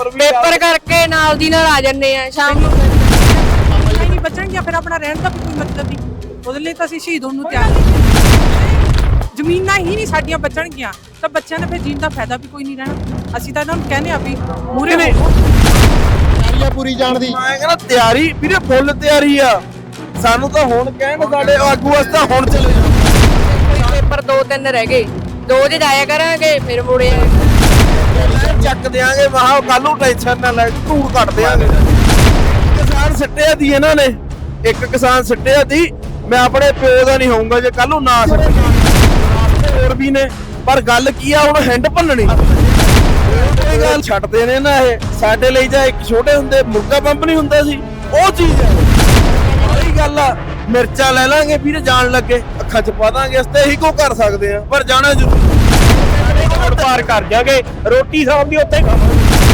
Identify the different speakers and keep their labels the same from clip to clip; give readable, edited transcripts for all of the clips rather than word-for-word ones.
Speaker 1: Paper ਕਰਕੇ ਨਾਲ ਦੀ ਨਾਲ ਆ ਜੰਨੇ ਆ ਸ਼ਾਮ ਨੂੰ
Speaker 2: ਨਹੀਂ ਬਚਣਗੀਆਂ ਫਿਰ ਆਪਣਾ ਰਹਿਣ ਦਾ ਵੀ ਕੋਈ ਮਤਲਬ ਨਹੀਂ। ਉਹਦੇ ਲਈ ਤਾਂ ਅਸੀਂ ਸ਼ਹੀਦ ਹੋਣ ਨੂੰ ਤਿਆਰ ਹਾਂ। ਜ਼ਮੀਨਾਂ ਹੀ ਨਹੀਂ ਸਾਡੀਆਂ ਬਚਣਗੀਆਂ ਤਾਂ ਬੱਚਿਆਂ ਨੇ ਫਿਰ ਜੀਣ ਦਾ ਫਾਇਦਾ ਵੀ ਕੋਈ ਨਹੀਂ ਰਹਿਣਾ। ਅਸੀਂ ਤਾਂ ਇਹਨਾਂ ਨੂੰ ਕਹਿੰਦੇ ਆ ਵੀ ਮੂਰੇ ਨੇ
Speaker 3: ਤਿਆਰੀ ਪੂਰੀ ਜਾਣ ਦੀ।
Speaker 4: ਮੈਂ ਕਹਿੰਦਾ ਤਿਆਰੀ ਵੀਰੇ ਫੁੱਲ ਤਿਆਰੀ ਆ। ਸਾਨੂੰ ਤਾਂ ਹੁਣ ਕਹਿਣ ਸਾਡੇ ਆਗੂ ਵਾਸਤੇ ਹੁਣ ਚਲੇ ਜਾਓ।
Speaker 1: ਪੇਪਰ 2-3 ਰਹਿ ਗਏ 2 'ਚ ਜਾਇਆ ਕਰਾਂਗੇ ਫਿਰ ਮੁੜੇ
Speaker 4: ਚੱਕ ਦਿਆਂਗੇ ਵਾਹ ਕੱਲ ਨੂੰ ਟੈਨਸ਼ਨ ਨਾ ਲੈ ਧੂੜ ਕੱਢ ਦਿਆਂਗੇ। ਕਿਸਾਨ ਸਿੱਟਿਆ ਦੀ ਇਹਨਾਂ ਨੇ ਇੱਕ ਕਿਸਾਨ ਸਿੱਟਿਆ ਦੀ। ਮੈਂ ਆਪਣੇ ਪਿਓ ਦਾ ਨਹੀਂ ਹੋਊਂਗਾ ਜੇ ਕੱਲ ਨੂੰ ਨਾ ਸਿੱਟੇ ਹੋਰ ਵੀ ਨੇ ਪਰ ਗੱਲ ਕੀ ਆ ਹੁਣ ਹੈਂਡ ਭੰਨਣੀ ਇਹ ਗੱਲ ਛੱਡਦੇ ਨੇ ਨਾ। ਇਹ ਸਾਡੇ ਲਈ ਜਾਂ ਇੱਕ ਛੋਟੇ ਹੁੰਦੇ ਮੁਰਗਾ ਪੰਪ ਨਹੀਂ ਹੁੰਦਾ ਸੀ ਉਹ ਚੀਜ਼ ਹੈ। ਉਹੀ ਗੱਲ ਆ ਮਿਰਚਾਂ ਲੈ ਲਾਂਗੇ ਵੀਰੇ ਜਾਣ ਲੱਗੇ ਅੱਖਾਂ 'ਚ ਪਾ ਦਾਂਗੇ ਅਸੀਂ ਇਹੀ ਕੋ ਕਰ ਸਕਦੇ ਆ ਪਰ ਜਾਣਾ ਜ਼ਰੂਰ ਪਾਰ ਕਰ ਜਾਗੇ ਰੋਟੀ ਸ਼ਾਮ ਦੀ ਉੱਥੇ ਖਾਵਾਂਗੇ।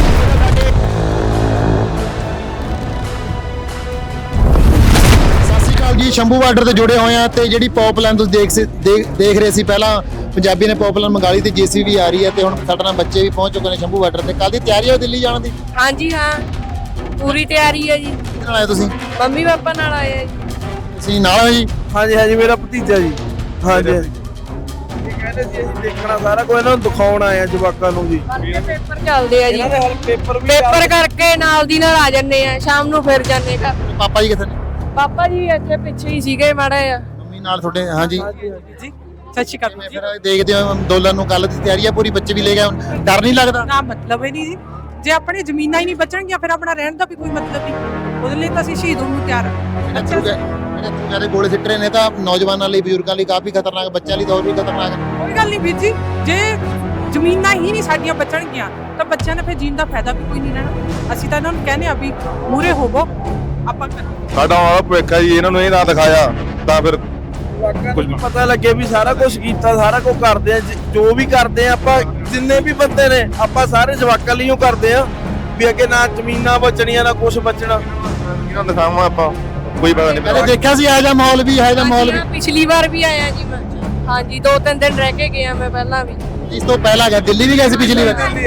Speaker 3: ਸਤਿ ਸ਼੍ਰੀ ਅਕਾਲ ਜੀ। ਸ਼ੰਭੂ ਬਾਰਡਰ ਤੇ ਜੁੜੇ ਹੋਏ ਆ ਤੇ ਜਿਹੜੀ ਪਾਈਪਲਾਈਨ ਤੁਸੀਂ ਦੇਖ ਰਹੇ ਸੀ ਪਹਿਲਾਂ ਪੰਜਾਬੀ ਨੇ ਪਾਈਪਲਾਈਨ ਮੰਗਾ ਲਈ ਤੇ ਜੀਸੀਬੀ ਆ ਰਹੀ ਹੈ ਤੇ ਹੁਣ ਸਾਡੇ ਨਾਲ ਬੱਚੇ ਵੀ ਪਹੁੰਚ ਚੁੱਕੇ ਨੇ ਸ਼ੰਭੂ ਬਾਰਡਰ ਤੇ। ਕੱਲ ਦੀ ਤਿਆਰੀ ਹੈ ਦਿੱਲੀ ਜਾਣ ਦੀ?
Speaker 1: ਹਾਂਜੀ ਹਾਂ ਪੂਰੀ ਤਿਆਰੀ ਹੈ ਜੀ।
Speaker 3: ਕਿਹਦੇ ਨਾਲ ਆਏ ਤੁਸੀਂ?
Speaker 1: ਮੰਮੀ ਪਾਪਾ ਨਾਲ ਆਏ ਆ ਜੀ।
Speaker 3: ਤੁਸੀਂ ਨਾਲ ਹੋ ਜੀ?
Speaker 4: ਹਾਂਜੀ ਹਾਂਜੀ ਮੇਰਾ ਭਤੀਜਾ ਜੀ। ਹਾਂਜੀ ਇਹ ਕਹਿੰਦੇ ਸੀ ਅਸੀਂ ਦੇਖਣਾ ਸਾਰਾ ਕੁਝ ਇਹਨਾਂ ਨੂੰ ਦਿਖਾਉਣ ਆਏ ਆ ਜਵਾਕਾਂ ਨੂੰ ਜੀ।
Speaker 1: ਪੇਪਰ ਚੱਲਦੇ ਆ ਜੀ
Speaker 4: ਇਹਨਾਂ ਦੇ ਹਾਲ ਪੇਪਰ ਵੀ
Speaker 1: ਪੇਪਰ ਕਰਕੇ ਨਾਲ ਦੀ ਨਾਲ ਆ ਜੰਨੇ ਆ ਸ਼ਾਮ ਨੂੰ ਫਿਰ ਜਾਂਦੇ ਘਰ।
Speaker 3: ਪਾਪਾ ਜੀ ਕਿੱਥੇ ਨੇ?
Speaker 1: ਪਾਪਾ ਜੀ ਇੱਥੇ ਪਿੱਛੇ ਹੀ ਸੀਗੇ ਮਾੜਾ ਆ।
Speaker 3: ਮੰਮੀ ਨਾਲ ਤੁਹਾਡੇ? ਹਾਂਜੀ।
Speaker 2: ਜੀ ਸਤਿ ਸ਼੍ਰੀ ਅਕਾਲ ਜੀ।
Speaker 3: ਫਿਰ ਦੇਖਦੇ ਹੋ ਅੰਦੋਲਨ ਨੂੰ ਕੱਲ ਦੀ ਤਿਆਰੀ ਹੈ ਪੂਰੀ ਬੱਚੇ ਵੀ ਲੈ ਗਏ ਹੁਣ ਡਰ ਨਹੀਂ ਲੱਗਦਾ?
Speaker 2: ਨਾ ਮਤਲਬ ਹੀ ਨਹੀਂ ਜੀ। ਜੇ ਆਪਣੀ ਜ਼ਮੀਨਾਂ ਹੀ ਨਹੀਂ ਬਚਣਗੀਆਂ ਫਿਰ ਆਪਣਾ ਰਹਿਣ ਦਾ ਵੀ ਕੋਈ ਮਤਲਬ ਨਹੀਂ। ਉਹਦੇ ਲਈ ਤਾਂ ਅਸੀਂ ਸ਼ਹੀਦ ਹੋਣ ਨੂੰ ਤਿਆਰ ਹਾਂ।
Speaker 3: ਜਿਹੜੇ ਗੋਲੇ ਸਿੱਟ ਰਹੇ ਨੇ ਤਾਂ ਨੌਜਵਾਨਾਂ ਲਈ ਬਜ਼ੁਰਗਾਂ ਲਈ ਕਾਫੀ ਖਤਰਨਾਕ, ਬੱਚਿਆਂ ਲਈ ਤਾਂ ਹੋਰ ਵੀ ਖਤਰਨਾਕ ਹੈ।
Speaker 2: ਕੋਈ ਗੱਲ ਨਹੀਂ ਵੀਰ ਜੀ। ਜੇ ਜ਼ਮੀਨਾਂ ਹੀ ਨਹੀਂ ਸਾਡੀਆਂ ਬਚਣਗੀਆਂ ਤਾਂ ਬੱਚਿਆਂ ਨੇ ਫਿਰ ਜੀਣ ਦਾ ਫਾਇਦਾ ਵੀ ਕੋਈ ਨਹੀਂ ਰਹਿਣਾ। ਅਸੀਂ ਤਾਂ ਇਹਨਾਂ ਨੂੰ ਕਹਿੰਦੇ ਆ ਵੀ ਮੂਰੇ ਹੋਵੋ ਆਪਾਂ
Speaker 5: ਸਾਡਾ ਆਹ ਭਵਿੱਖ ਹੈ ਜੀ। ਇਹਨਾਂ ਨੂੰ ਇਹ ਨਾ ਦਿਖਾਇਆ ਤਾਂ ਫਿਰ
Speaker 4: ਕੁਝ ਪਤਾ ਲੱਗੇ ਵੀ ਸਾਰਾ ਕੁਝ ਕੀਤਾ ਸਾਰਾ ਕੁਝ ਕਰਦੇ ਆ ਜੋ ਵੀ ਕਰਦੇ ਆ ਆਪਾਂ ਜਿੰਨੇ ਵੀ ਬੰਦੇ ਨੇ ਆਪਾਂ ਸਾਰੇ ਜਵਾਕਾਂ ਲਈਓ ਕਰਦੇ ਆ ਵੀ ਅੱਗੇ ਨਾ ਜ਼ਮੀਨਾਂ ਬਚਣੀਆਂ ਨਾ ਕੁਝ ਬਚਣਾ।
Speaker 5: ਇਹਨਾਂ ਨੂੰ ਦਿਖਾਵਾਂ ਆਪਾਂ ਕੋਈ ਪਤਾ ਨਹੀਂ।
Speaker 3: ਪਹਿਲੇ ਦੇਖਿਆ ਸੀ ਇਹੋ ਜਿਹਾ ਮਾਹੌਲ ਵੀ, ਇਹੋ ਜਿਹਾ ਮਾਹੌਲ ਵੀ?
Speaker 1: ਪਿਛਲੀ ਵਾਰ ਵੀ ਆਇਆ ਜੀ ਮੈਂ। ਹਾਂਜੀ 2-3 ਦਿਨ ਰਹਿ ਕੇ ਗਿਆ ਮੈਂ ਪਹਿਲਾਂ ਵੀ।
Speaker 3: ਇਸ ਤੋਂ ਪਹਿਲਾਂ ਗਿਆ ਦਿੱਲੀ ਵੀ ਗਏ ਸੀ ਪਿਛਲੀ ਵਾਰ?
Speaker 1: ਹਾਂਜੀ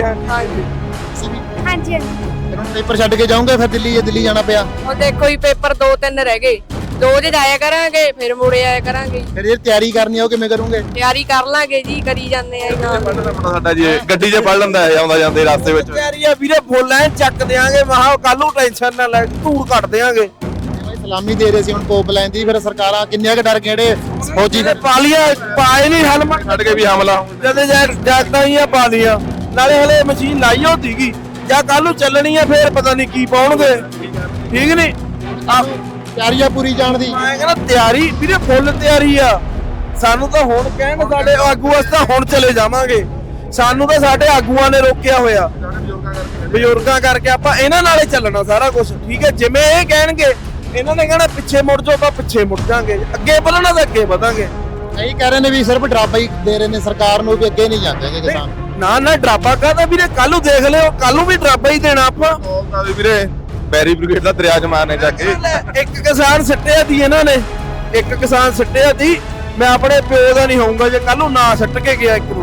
Speaker 6: ਹਾਂਜੀ
Speaker 3: ਫਿਰ ਹੁਣ ਪੇਪਰ ਛੱਡ ਕੇ ਜਾਓਗੇ ਫਿਰ ਦਿੱਲੀ? ਦਿੱਲੀ ਜਾਣਾ ਪਿਆ
Speaker 1: ਹੁਣ ਦੇਖੋ ਜੀ ਪੇਪਰ 2-3 ਰਹਿ ਗਏ 2 'ਚ ਜਾਇਆ ਕਰਾਂਗੇ ਫਿਰ ਮੁੜੇ ਆਇਆ ਕਰਾਂਗੇ।
Speaker 3: ਫਿਰ ਇਹ ਤਿਆਰੀ ਕਰਨੀ ਆ ਉਹ ਕਿਵੇਂ ਕਰੋਗੇ?
Speaker 1: ਤਿਆਰੀ ਕਰ ਲਾਂਗੇ ਜੀ ਕਰੀ ਜਾਂਦੇ ਆ ਇਹਨਾਂ
Speaker 5: ਪੜ੍ਹਨਾ ਸਾਡਾ ਜੀ ਗੱਡੀ 'ਚ ਪੜ ਲੈਂਦਾ ਹੈ ਆਉਂਦਾ ਜਾਂਦੇ ਰਸਤੇ ਵਿੱਚ।
Speaker 4: ਤਿਆਰੀ ਆ ਵੀਰੇ ਫੁੱਲ ਐ ਚੱਕ ਦਿਆਂਗੇ ਵਾਹ ਕੱਲ ਨੂੰ ਟੈਨਸ਼ਨ ਨਾ ਲੈ ਧੂੜ ਕੱਢ ਦਿਆਂਗੇ।
Speaker 3: ਸਲਾਮੀ ਦੇ ਰਹੇ ਸੀ ਹੁਣ ਪਾਈਪਲਾਈਨ ਦੀ ਫਿਰ ਸਰਕਾਰਾਂ ਕਿੰਨੀਆਂ ਕੁ ਡਰ ਗਏ ਫੌਜੀ ਫਿਰ?
Speaker 4: ਪਾਲੀਆਂ ਪਾਏ ਨਹੀਂ ਹੈਲਮਟ
Speaker 5: ਛੱਡ ਕੇ ਵੀ ਹਮਲਾ
Speaker 4: ਜਦੇ ਜੈਕਟਾਂ ਹੀ ਆ ਪਾ ਲੀਆਂ ਨਾਲੇ ਹਲੇ ਮਸ਼ੀਨ ਲਾਈ ਹੋਤੀਗੀ ਜਾਂ ਕੱਲ ਨੂੰ ਚੱਲਣੀ ਆ ਫੇਰ ਪਤਾ ਨਹੀਂ ਕੀ ਪਾਉਣਗੇ। ਠੀਕ ਨਹੀਂ ਆ
Speaker 3: ਤਿਆਰੀ ਆ ਪੂਰੀ ਜਾਣ ਦੀ।
Speaker 4: ਮੈਂ ਕਹਿੰਦਾ ਤਿਆਰੀ ਵੀਰੇ ਫੁੱਲ ਤਿਆਰੀ ਆ। ਸਾਨੂੰ ਤਾਂ ਹੁਣ ਕਹਿਣ ਸਾਡੇ ਆਗੂ ਵਾਸਤੇ ਹੁਣ ਚਲੇ ਜਾਵਾਂਗੇ। ਸਾਨੂੰ ਤਾਂ ਸਾਡੇ ਆਗੂਆਂ ਨੇ ਰੋਕਿਆ ਹੋਇਆ ਬਜ਼ੁਰਗਾਂ ਕਰਕੇ ਆਪਾਂ ਇਹਨਾਂ ਨਾਲੇ ਚੱਲਣਾ ਸਾਰਾ ਕੁਝ। ਠੀਕ ਹੈ ਜਿਵੇਂ ਇਹ ਕਹਿਣਗੇ ਇਹਨਾਂ ਨੇ ਕਹਿਣਾ ਪਿੱਛੇ ਮੁੜ ਜਾਓ ਤਾਂ ਪਿੱਛੇ ਮੁੜ ਜਾਾਂਗੇ ਅੱਗੇ ਵਧਣਾ ਤਾਂ ਅੱਗੇ ਵਧਾਂਗੇ।
Speaker 3: ਕਈ ਕਹਿ ਰਹੇ ਨੇ ਵੀ ਸਿਰਫ ਡਰਾਬਾ ਹੀ ਦੇ ਰਹੇ ਨੇ ਸਰਕਾਰ ਨੂੰ ਵੀ ਅੱਗੇ ਨਹੀਂ ਜਾਂਦੇ ਕਿਸਾਨ।
Speaker 4: ਨਾ ਨਾ ਡਰਾਬਾ ਕਾਹਦਾ ਵੀਰੇ ਕੱਲ ਨੂੰ ਦੇਖ ਲਿਓ ਕੱਲ ਨੂੰ ਵੀ ਡਰਾਬਾ ਹੀ ਦੇਣਾ ਆਪਾਂ।
Speaker 5: ਬੋਲਦਾ ਵੀ ਵੀਰੇ ਬੈਰੀ ਬ੍ਰਿਗੇਡ ਦਾ ਦਰਿਆ 'ਚ ਮਾਰਨੇ ਜਾ ਕੇ।
Speaker 4: ਇੱਕ ਕਿਸਾਨ ਸਿੱਟਿਆ ਦੀ ਇਹਨਾਂ ਨੇ ਇੱਕ ਕਿਸਾਨ ਸਿੱਟਿਆ ਦੀ। ਮੈਂ ਆਪਣੇ ਪਿਓ ਦਾ ਨਹੀਂ ਹੋਊਂਗਾ ਜੇ ਕੱਲ ਨੂੰ ਨਾ ਸਿੱਟ ਕੇ ਗਿਆ ਇੱਕ ਨੂੰ।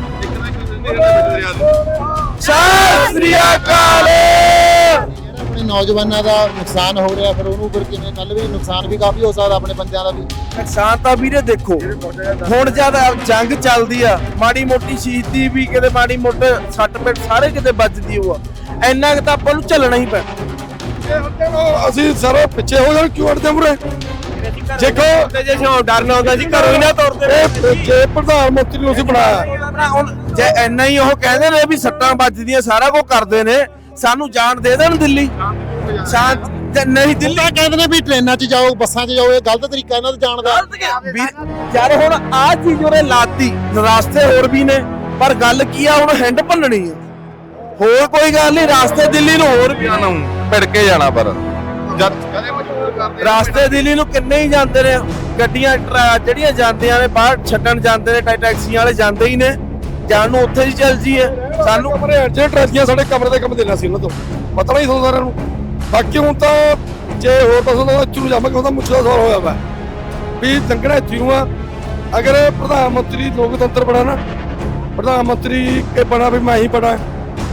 Speaker 4: ਸਤਿ ਸ੍ਰੀ ਅਕਾਲ।
Speaker 3: ਆਪਣੇ ਨੌਜਵਾਨਾਂ ਦਾ ਨੁਕਸਾਨ ਹੋ ਰਿਹਾ ਫਿਰ ਉਹਨੂੰ ਫਿਰ ਕਿਵੇਂ? ਕੱਲ ਵੀ ਨੁਕਸਾਨ ਵੀ ਕਾਫੀ ਹੋ ਸਕਦਾ ਆਪਣੇ ਬੰਦਿਆਂ ਦਾ ਵੀ।
Speaker 4: ਨੁਕਸਾਨ ਤਾਂ ਵੀਰੇ ਦੇਖੋ ਹੁਣ ਜਦ ਜੰਗ ਚੱਲਦੀ ਆ ਮਾੜੀ ਮੋਟੀ ਸ਼ਹੀਦੀ ਵੀ ਕਿਤੇ ਮਾੜੀ ਮੋਟੇ ਸੱਟ ਪੇਟ ਸਾਰੇ ਕਿਤੇ ਵੱਜਦੀ ਹੋਆ ਇੰਨਾ ਕੁ ਤਾਂ ਆਪਾਂ ਨੂੰ ਚੱਲਣਾ ਹੀ ਪੈਣਾ।
Speaker 5: ਅਸੀਂ ਸਾਰੇ ਪਿੱਛੇ ਹੋ ਜਾਣ ਕਿਉਂ ਅੜਦੇ ਮੁਰੇ?
Speaker 4: ਦੇਖੋ ਤੇ ਜੇ ਸ਼ੌਂ ਡਰਨਾ ਹੁੰਦਾ ਸੀ ਘਰੋਂ ਹੀ ਨਾ ਤੁਰਦੇ।
Speaker 5: ਜੇ ਪ੍ਰਧਾਨ ਮੰਤਰੀ ਨੂੰ ਅਸੀਂ ਬਣਾਇਆ
Speaker 4: ਹੁਣ ਜੇ ਇੰਨਾ ਹੀ ਉਹ ਕਹਿੰਦੇ ਨੇ ਵੀ ਸੱਟਾਂ ਵੱਜਦੀਆਂ ਸਾਰਾ ਕੁਝ ਕਰਦੇ ਨੇ ਸਾਨੂੰ ਜਾਣ ਦੇ ਦੇਣ ਦਿੱਲੀ ਸ਼ਾਂਤ ਨਹੀਂ ਦਿੱਲੀ
Speaker 3: ਕਹਿੰਦੇ ਨੇ ਵੀ ਟ੍ਰੇਨਾਂ 'ਚ ਜਾਓ ਬੱਸਾਂ 'ਚ ਜਾਓ ਇਹ ਗਲਤ ਤਰੀਕਾ ਇਹਨਾਂ ਦਾ ਜਾਣ ਦਾ।
Speaker 4: ਯਾਰ ਹੁਣ ਆਹ ਚੀਜ਼ ਉਹਨੇ ਲਾਤੀ ਰਾਸਤੇ ਹੋਰ ਵੀ ਨੇ ਪਰ ਗੱਲ ਕੀ ਆ ਹੁਣ ਹੈਂਡ ਭੰਨਣੀ ਆ ਹੋਰ ਕੋਈ ਗੱਲ ਨਹੀਂ। ਰਾਸਤੇ ਦਿੱਲੀ ਨੂੰ ਹੋਰ ਵੀ
Speaker 5: ਭਿੜ ਕੇ ਜਾਣਾ ਪਰ ਜਦ
Speaker 4: ਰਾਸਤੇ ਦਿੱਲੀ ਨੂੰ ਕਿੰਨੇ ਹੀ ਜਾਂਦੇ ਨੇ ਗੱਡੀਆਂ ਜਿਹੜੀਆਂ ਜਾਂਦੀਆਂ ਨੇ ਬਾਹਰ ਛੱਡਣ ਜਾਂਦੇ ਨੇ ਟੈਕਸੀਆਂ ਵਾਲੇ ਜਾਂਦੇ ਹੀ ਨੇ ਜਾਣ ਨੂੰ ਉੱਥੇ ਹੀ ਚੱਲ ਜੀਏ। ਸਾਨੂੰ
Speaker 5: ਜਿਹੜੇ ਟਰੱਕੀਆਂ ਸਾਡੇ ਕਮਰੇ ਦੇ ਕੰਮ ਦੇਣਾ ਸੀ ਉਹਨਾਂ ਤੋਂ ਪਤਾ ਨਹੀਂ ਤੁਹਾਨੂੰ ਸਾਰਿਆਂ ਨੂੰ। ਬਾਕੀ ਹੁਣ ਤਾਂ ਜੇ ਹੋਰ ਪਾਸੋਂ ਤਾਂ ਚੁਰੂ ਜਾਵਾਂਗੇ ਉਹਦਾ ਮੁੱਛ ਦਾ ਸਵਾਲ ਹੋਇਆ ਵਾ ਵੀ ਲੰਘਣਾ ਇੱਥੇ ਨੂੰ ਆ। ਅਗਰ ਪ੍ਰਧਾਨ ਮੰਤਰੀ ਲੋਕਤੰਤਰ ਬਣਾ ਨਾ ਪ੍ਰਧਾਨ ਮੰਤਰੀ ਇਹ ਬਣਾ ਵੀ ਮੈਂ ਹੀ ਬਣਾ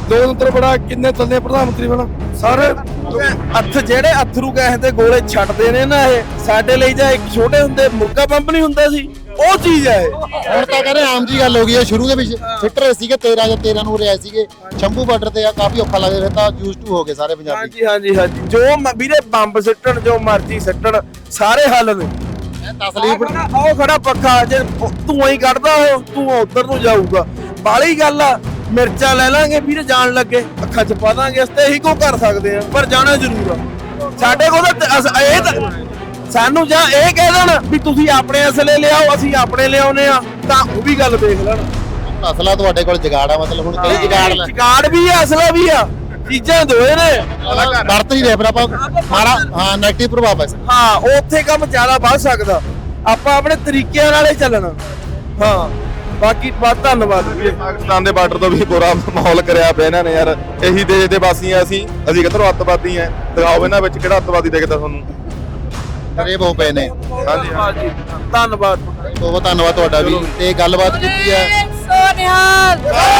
Speaker 5: ਲੋਕਤੰਤਰ ਬੜਾ ਕਿੰਨੇ ਚੱਲਦੇ ਪ੍ਰਧਾਨ ਮੰਤਰੀ ਬਣਾ ਸਾਰੇ
Speaker 4: ਅੱਥ ਜਿਹੜੇ ਅਥਰੂ ਗੈਸ ਦੇ ਗੋਲੇ ਛੱਡਦੇ ਨੇ ਨਾ ਇਹ ਸਾਡੇ ਲਈ ਜਾਂ ਇੱਕ ਛੋਟੇ ਹੁੰਦੇ ਮੁਰਗਾ ਪੰਪ ਨਹੀਂ ਹੁੰਦਾ ਸੀ ਉਹ ਚੀਜ਼ ਹੈ ਇਹ।
Speaker 3: ਹੁਣ ਤਾਂ ਕਹਿੰਦੇ ਆਮ ਜੀ ਗੱਲ ਹੋ ਗਈ ਹੈ। ਸ਼ੁਰੂ ਦੇ ਵਿੱਚ ਫਿੱਟ ਰਹੇ ਸੀਗੇ 13 ਜਾਂ 13 ਨੂੰ ਰਿਆਏ ਸੀਗੇ ਸ਼ੰਭੂ ਬਾਰਡਰ ਤੇ ਆ ਕਾਫੀ ਔਖਾ ਲੱਗਦਾ ਫਿਰ ਤਾਂ ਯੂਜ਼ ਟੂ ਹੋ ਗਏ ਸਾਰੇ ਪੰਜਾਬੀ।
Speaker 4: ਹਾਂਜੀ ਹਾਂਜੀ ਹਾਂਜੀ ਜੋ ਵੀਰੇ ਬੰਬ ਸਿੱਟਣ ਜੋ ਮਰਜ਼ੀ ਸਿੱਟਣ ਸਾਰੇ ਹੱਲ ਨੇ।
Speaker 3: ਤਸਲੀਫ
Speaker 4: ਉਹ ਖੜਾ ਪੱਖਾ ਜੇ ਧੂਆਂ ਹੀ ਕੱਢਦਾ ਉਹ ਧੂਆਂ ਉਧਰ ਨੂੰ ਜਾਊਗਾ ਬਾਲੀ ਗੱਲ ਆ। ਮਿਰਚਾਂ ਲੈ ਲਾਂਗੇ ਵੀਰੇ ਜਾਣ ਲੱਗੇ ਅੱਖਾਂ 'ਚ ਪਾ ਦਾਂਗੇ ਇਸ ਤੇ ਇਹੀ ਕੋ ਕਰ ਸਕਦੇ ਆ ਪਰ ਜਾਣਾ ਜ਼ਰੂਰ ਆ। ਸਾਡੇ ਕੋਲ ਤਾਂ ਇਹ ਤਾਂ ਸਾਨੂੰ ਜਾਂ ਇਹ ਕਹਿ ਦੇਣ ਵੀ ਤੁਸੀਂ ਆਪਣੇ ਅਸਲੇ ਲਿਆਓ ਅਸੀਂ ਆਪਣੇ ਲਿਆਉਨੇ ਆ ਤਾਂ ਉਹ ਵੀ ਗੱਲ ਦੇਖ ਲੈਣ।
Speaker 3: ਅਸਲਾ ਤੁਹਾਡੇ ਕੋਲ ਜਗਾੜ ਆ ਮਤਲਬ ਹੁਣ ਕਈ ਜਗਾੜ
Speaker 4: ਜਗਾੜ ਵੀ ਆ ਅਸਲਾ ਵੀ ਆ ਚੀਜ਼ਾਂ ਦੋਏ ਨੇ
Speaker 3: ਵਰਤ ਨਹੀਂ ਰਹੇ ਪਰ ਆਪਾਂ ਮਾੜਾ ਹਾਂ ਨੈਗੇਟਿਵ ਪ੍ਰਭਾਵ ਹੈ
Speaker 4: ਹਾਂ ਉੱਥੇ ਕੰਮ ਜ਼ਿਆਦਾ ਵੱਧ ਸਕਦਾ ਆਪਾਂ ਆਪਣੇ ਤਰੀਕਿਆਂ ਨਾਲ ਹੀ ਚੱਲਣਾ। ਹਾਂ ਬਾਕੀ ਬਹੁਤ ਧੰਨਵਾਦ ਵੀਰੇ।
Speaker 7: ਪਾਕਿਸਤਾਨ ਦੇ ਬਾਰਡਰ ਤੋਂ ਵੀ ਬੁਰਾ ਮਾਹੌਲ ਕਰਿਆ ਪਿਆ ਇਹਨਾਂ ਨੇ ਯਾਰ। ਇਹੀ ਦੇਸ਼ ਦੇ ਵਾਸੀ ਆ ਅਸੀਂ ਕਿੱਧਰੋਂ ਅੱਤਵਾਦੀ ਆ ਦਿਖਾਓ ਇਹਨਾਂ ਵਿੱਚ ਕਿਹੜਾ ਅੱਤਵਾਦੀ ਦਿਖਦਾ ਤੁਹਾਨੂੰ।
Speaker 3: ਕਰੇ ਬਹੁ ਪਏ ਨੇ।
Speaker 4: ਹਾਂਜੀ ਧੰਨਵਾਦ
Speaker 3: ਬਹੁਤ ਧੰਨਵਾਦ ਤੁਹਾਡਾ ਵੀ ਤੇ ਗੱਲਬਾਤ ਕੀਤੀ ਹੈ।
Speaker 1: ਸੋਨਿਹਾਲ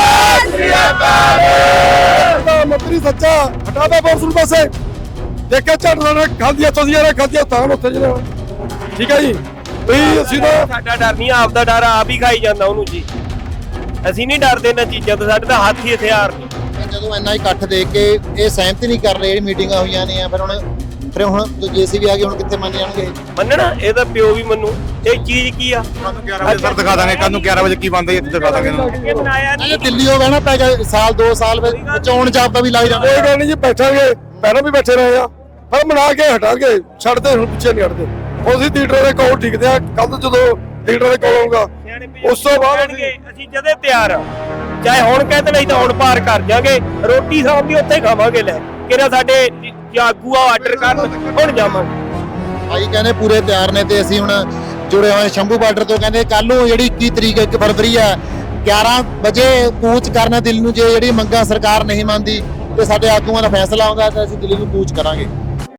Speaker 5: ਪ੍ਰਧਾਨ ਮੰਤਰੀ ਸੱਚਾ ਹਟਾਦਾ ਬੋਰਸ ਨੂੰ ਪਾਸੇ ਦੇਖਿਆ ਝੱਟ ਨਾਲ ਖਾਂਦੀਆਂ ਚੋਦੀਆਂ ਨੇ ਖਾਂਦੀਆਂ ਤਾਂ ਉੱਥੇ ਜਿਹੜੇ ਠੀਕ ਹੈ ਜੀ ਵੀ ਅਸੀਂ ਤਾਂ
Speaker 8: ਸਾਡਾ ਡਰ ਨਹੀਂ ਆਪਦਾ ਡਰ ਆਪ ਹੀ ਖਾਈ ਜਾਂਦਾ ਉਹਨੂੰ ਜੀ। ਅਸੀਂ ਨਹੀਂ ਡਰਦੇ ਇਹਨਾਂ ਚੀਜ਼ਾਂ ਤੋਂ ਸਾਡੇ ਤਾਂ ਹੱਥ ਹੀ ਹਥਿਆਰ ਨੇ।
Speaker 3: ਜਦੋਂ ਇੰਨਾ ਇਕੱਠ ਦੇਖ ਕੇ ਇਹ ਸਹਿਮਤੀ ਨਹੀਂ ਕਰ ਰਹੇ ਜਿਹੜੀ ਮੀਟਿੰਗਾਂ ਹੋਈਆਂ ਨੇ ਫਿਰ ਹੁਣ ਜੇਸੀਬੀ ਆ ਗਈ ਹੁਣ ਕਿੱਥੇ ਮੰਨ ਜਾਣਗੇ।
Speaker 8: ਮੰਨਣਾ ਇਹਦਾ ਪਿਓ ਵੀ ਮੰਨੂ ਇਹ ਚੀਜ਼ ਕੀ ਆ।
Speaker 7: ਕੱਲ ਨੂੰ 11 ਵਜੇ ਸਰ ਦਿਖਾ ਦਾਂਗੇ ਕੱਲ ਨੂੰ 11 ਵਜੇ ਕੀ ਬੰਦ ਹੈ ਇੱਥੇ ਦਿਖਾ ਦਾਂਗੇ
Speaker 8: ਇਹ ਬਣਾਇਆ ਨਹੀਂ
Speaker 3: ਇਹ ਦਿੱਲੀ ਹੋ ਬਹਿਣਾ ਪੈ ਗਿਆ ਸਾਲ 2 ਸਾਲ ਵਿੱਚ ਚੋਣ ਜਾਬਤਾ ਵੀ ਲੱਗ ਜਾਂਦਾ।
Speaker 5: ਇਹ ਗੱਲ ਨਹੀਂ ਜੀ ਬੈਠਾਂਗੇ ਪਹਿਲਾਂ ਵੀ ਬੈਠੇ ਰਹੇ ਆ ਪਰ ਬਣਾ ਕੇ ਹਟਾਂਗੇ ਛੱਡਦੇ ਹੁਣ ਪਿੱਛੇ ਨਹੀਂ ਹਟਦੇ। ਅਸੀਂ ਲੀਡਰ ਦੇ ਕੋਲ ਟਿਕਦੇ ਆ ਕੱਲ ਜਦੋਂ ਲੀਡਰ ਦੇ ਕੋਲ ਆਊਗਾ ਉਸ ਤੋਂ ਬਾਅਦ
Speaker 8: ਅਸੀਂ ਜਦੇ ਤਿਆਰ ਆ ਚਾਹੇ ਹੁਣ ਕਹਿੰਦੇ ਨਹੀਂ ਤਾਂ ਹੁਣ ਪਾਰ ਕਰ ਜਾਾਂਗੇ ਰੋਟੀ ਸ਼ਾਮ ਦੀ ਉੱਥੇ ਖਾਵਾਂਗੇ ਲੈ ਕਿਹੜਾ ਸਾਡੇ ਆਗੂ ਆ ਆਰਡਰ ਕਰਨ ਹੁਣ ਜਾਵਾਂਗੇ।
Speaker 3: ਭਾਈ ਕਹਿੰਦੇ ਪੂਰੇ ਤਿਆਰ ਨੇ ਤੇ ਅਸੀਂ ਹੁਣ ਜੁੜੇ ਹੋਏ ਸ਼ੰਭੂ ਬਾਰਡਰ ਤੋਂ ਕਹਿੰਦੇ ਕੱਲ ਨੂੰ ਜਿਹੜੀ 21 ਤਰੀਕ 1 ਫਰਵਰੀ ਆ 11 ਵਜੇ ਕੂਚ ਕਰਨਾ ਦਿੱਲੀ ਨੂੰ ਜੇ ਜਿਹੜੀ ਮੰਗਾਂ ਸਰਕਾਰ ਨਹੀਂ ਮੰਨਦੀ ਤੇ ਸਾਡੇ ਆਗੂਆਂ ਦਾ ਫੈਸਲਾ ਆਉਂਦਾ ਤਾਂ ਅਸੀਂ ਦਿੱਲੀ ਨੂੰ ਕੂਚ ਕਰਾਂਗੇ।